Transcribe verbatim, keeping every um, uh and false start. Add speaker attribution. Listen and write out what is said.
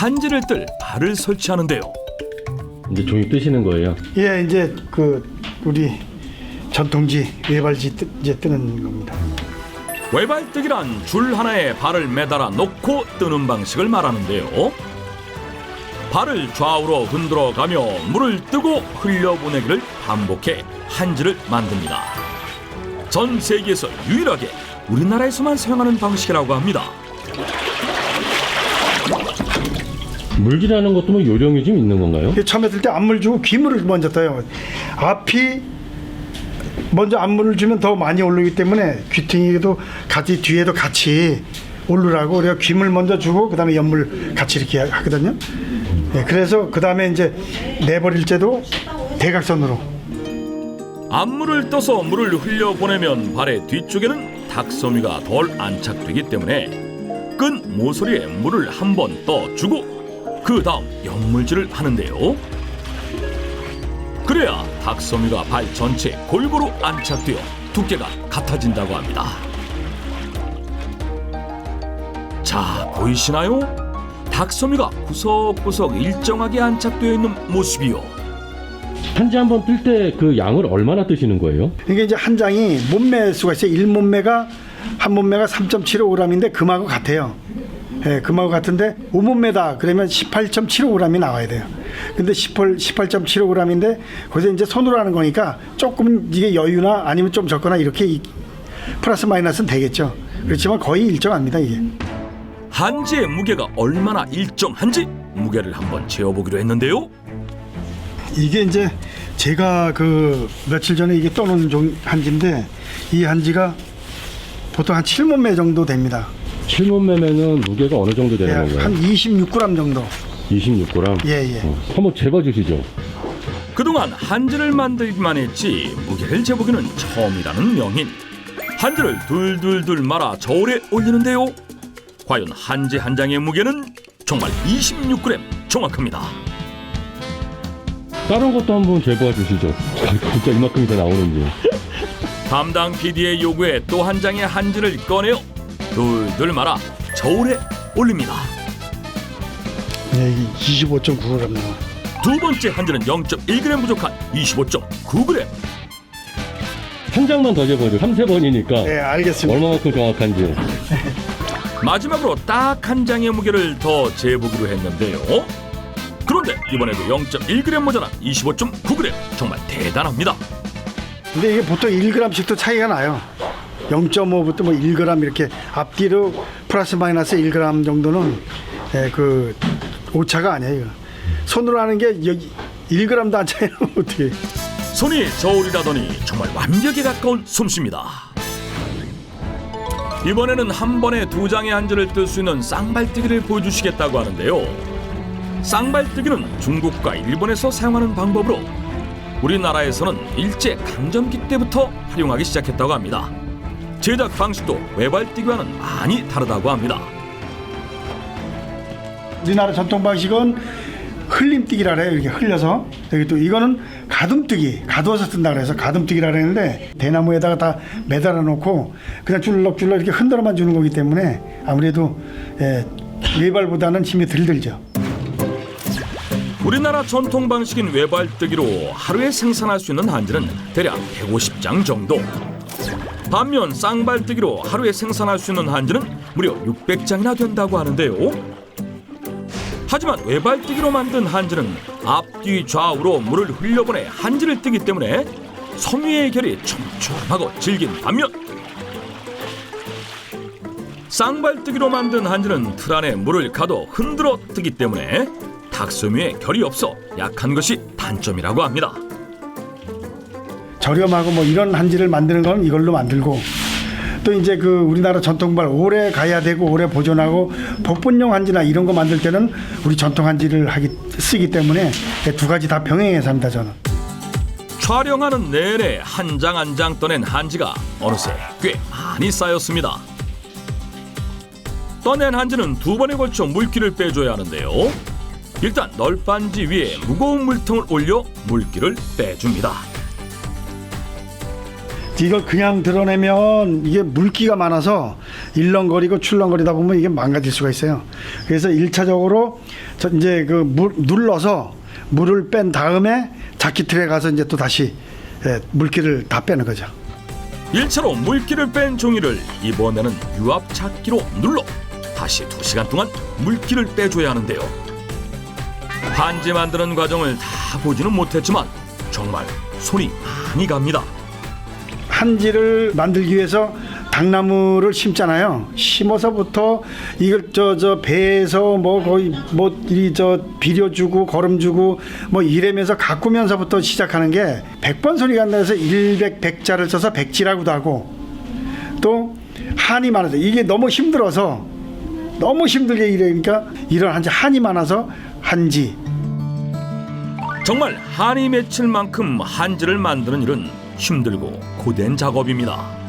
Speaker 1: 한지를 뜰 발을 설치하는데요.
Speaker 2: 이제 종이 뜨시는 거예요?
Speaker 3: 예, 이제 그 우리 전통지 외발지 뜨, 이제 뜨는 겁니다.
Speaker 1: 외발뜨기란 줄 하나에 발을 매달아 놓고 뜨는 방식을 말하는데요. 발을 좌우로 흔들어 가며 물을 뜨고 흘려보내기를 반복해 한지를 만듭니다. 전 세계에서 유일하게 우리나라에서만 사용하는 방식이라고 합니다.
Speaker 2: 물질하는 것도 뭐 요령이 좀 있는 건가요?
Speaker 3: 처음에 뜰 때 앞물 주고 귀물을 먼저 떠요. 앞이 먼저 앞물을 주면 더 많이 오르기 때문에 귀퉁이도 같이 뒤에도 같이 오르라고 그래서 귀물 먼저 주고 그 다음에 연물 같이 이렇게 하거든요. 네, 그래서 그 다음에 이제 내버릴 때도 대각선으로.
Speaker 1: 앞물을 떠서 물을 흘려보내면 발의 뒤쪽에는 닭섬유가 덜 안착되기 때문에 끈 모서리에 물을 한 번 떠주고 그 다음 연물질을 하는데요. 그래야 닭섬유가 발 전체에 골고루 안착되어 두께가 같아진다고 합니다. 자, 보이시나요? 닭섬유가 구석구석 일정하게 안착되어 있는 모습이요.
Speaker 2: 한지 한 번 뜰 때 그 양을 얼마나 뜨시는 거예요?
Speaker 3: 이게 이제 한 장이 몸매 수가 있어요. 일 몸매가 한 몸매가 삼 점 칠오 그램인데 금하고 같아요. 예, 금하고 같은데 오 몸매다 그러면 십팔 점 칠오 그램이 나와야 돼요. 근데 십팔 점 칠오 그램인데 거기서 이제 손으로 하는 거니까 조금 이게 여유나 아니면 좀 적거나 이렇게 플러스 마이너스는 되겠죠. 그렇지만 거의 일정합니다 이게.
Speaker 1: 한지의 무게가 얼마나 일정한지 무게를 한번 재어보기로 했는데요.
Speaker 3: 이게 이제 제가 그 며칠 전에 이게 떠놓은 종 한지인데 이 한지가 보통 한 칠 몸매 정도 됩니다.
Speaker 2: 칠 몸매면은 무게가 어느 정도 되는
Speaker 3: 예,
Speaker 2: 건가요?
Speaker 3: 한 이십육 그램 정도.
Speaker 2: 이십육 그램?
Speaker 3: 예, 예.
Speaker 2: 어, 한번 재봐주시죠.
Speaker 1: 그동안 한지를 만들기만 했지 무게를 재보기는 처음이라는 명인. 한지를 둘둘둘 말아 저울에 올리는데요. 과연 한지 한 장의 무게는 정말 이십육 그램 정확합니다.
Speaker 2: 다른 것도 한번 재봐 주시죠. 진짜 이만큼이 다 나오는지.
Speaker 1: 담당 피디의 요구에 또 한 장의 한지를 꺼내어 둘둘 말아 저울에 올립니다.
Speaker 3: 네, 이십오 점 구 그램 나와.
Speaker 1: 두 번째 한지는 영 점 일 그램 부족한 이십오 점 구 그램.
Speaker 2: 한 장만 더 재봐줘. 삼세 번이니까.
Speaker 3: 네, 알겠습니다.
Speaker 2: 얼마만큼 정확한지.
Speaker 1: 마지막으로 딱 한 장의 무게를 더 재보기로 했는데요. 그런데 이번에도 영 점 일 그램 모자란 이십오 점 구 그램. 정말 대단합니다.
Speaker 3: 근데 이게 보통 일 그램씩도 차이가 나요. 영 점 오부터 뭐 일 그램 이렇게 앞뒤로 플러스 마이너스 일 그램 정도는 예, 그 오차가 아니에요. 손으로 하는 게 여기 일 그램도 안 차이는 어떻게?
Speaker 1: 손이 저울이라더니 정말 완벽에 가까운 솜씨입니다. 이번에는 한 번에 두 장의 한지를 뜰 수 있는 쌍발뜨기를 보여주시겠다고 하는데요. 쌍발뜨기는 중국과 일본에서 사용하는 방법으로 우리나라에서는 일제 강점기 때부터 활용하기 시작했다고 합니다. 제작 방식도 외발뜨기와는 많이 다르다고 합니다.
Speaker 3: 우리나라 전통 방식은 흘림뜨기라 그래요. 이렇게 흘려서 여기 또 이거는 가둠뜨기, 가두어서 뜬다 그래서 가둠뜨기라 그러는데 대나무에다가 다 매달아 놓고 그냥 줄럭줄럭 이렇게 흔들어만 주는 거기 때문에 아무래도 예, 외발보다는 힘이 덜 들죠.
Speaker 1: 우리나라 전통 방식인 외발뜨기로 하루에 생산할 수 있는 한지는 대략 백오십 장 정도. 반면 쌍발뜨기로 하루에 생산할 수 있는 한지는 무려 육백 장이나 된다고 하는데요. 하지만 외발뜨기로 만든 한지는 앞뒤 좌우로 물을 흘려보내 한지를 뜨기 때문에 섬유의 결이 촘촘하고 질긴 반면 쌍발뜨기로 만든 한지는 틀 안에 물을 가둬 흔들어 뜨기 때문에 닭섬유의 결이 없어 약한 것이 단점이라고 합니다.
Speaker 3: 저렴하고 뭐 이런 한지를 만드는 건 이걸로 만들고 또 이제 그 우리나라 전통발 오래 가야 되고 오래 보존하고 복분용 한지나 이런 거 만들 때는 우리 전통 한지를 하기 쓰기 때문에 두 가지 다 병행해서 합니다 저는.
Speaker 1: 촬영하는 내내 한 장 한 장 떠낸 한지가 어느새 꽤 많이 쌓였습니다. 떠낸 한지는 두 번에 걸쳐 물기를 빼줘야 하는데요. 일단 널빤지 위에 무거운 물통을 올려 물기를 빼줍니다.
Speaker 3: 이걸 그냥 드러내면 이게 물기가 많아서 일렁거리고 출렁거리다 보면 이게 망가질 수가 있어요. 그래서 일차적으로 저 이제 그 물, 눌러서 물을 뺀 다음에 자키틀에 가서 이제 또 다시 예, 물기를 다 빼는 거죠.
Speaker 1: 일 차로 물기를 뺀 종이를 이번에는 유압 잡기로 눌러 다시 두 시간 동안 물기를 빼줘야 하는데요. 한지 만드는 과정을 다 보지는 못했지만 정말 손이 많이 갑니다.
Speaker 3: 한지를 만들기 위해서 당나무를 심잖아요. 심어서부터 이걸 저 저 배에서 뭐 거의 뭐 이 저 비료주고 거름주고 뭐 이래면서 가꾸면서부터 시작하는 게 백 번 소리 간다 해서 일백 백자를 써서 백지라고도 하고 또 한이 많아서 이게 너무 힘들어서 너무 힘들게 일하니까 이런 한지 한이 많아서 한지.
Speaker 1: 정말 한이 맺힐 만큼 한지를 만드는 일은 힘들고 고된 작업입니다.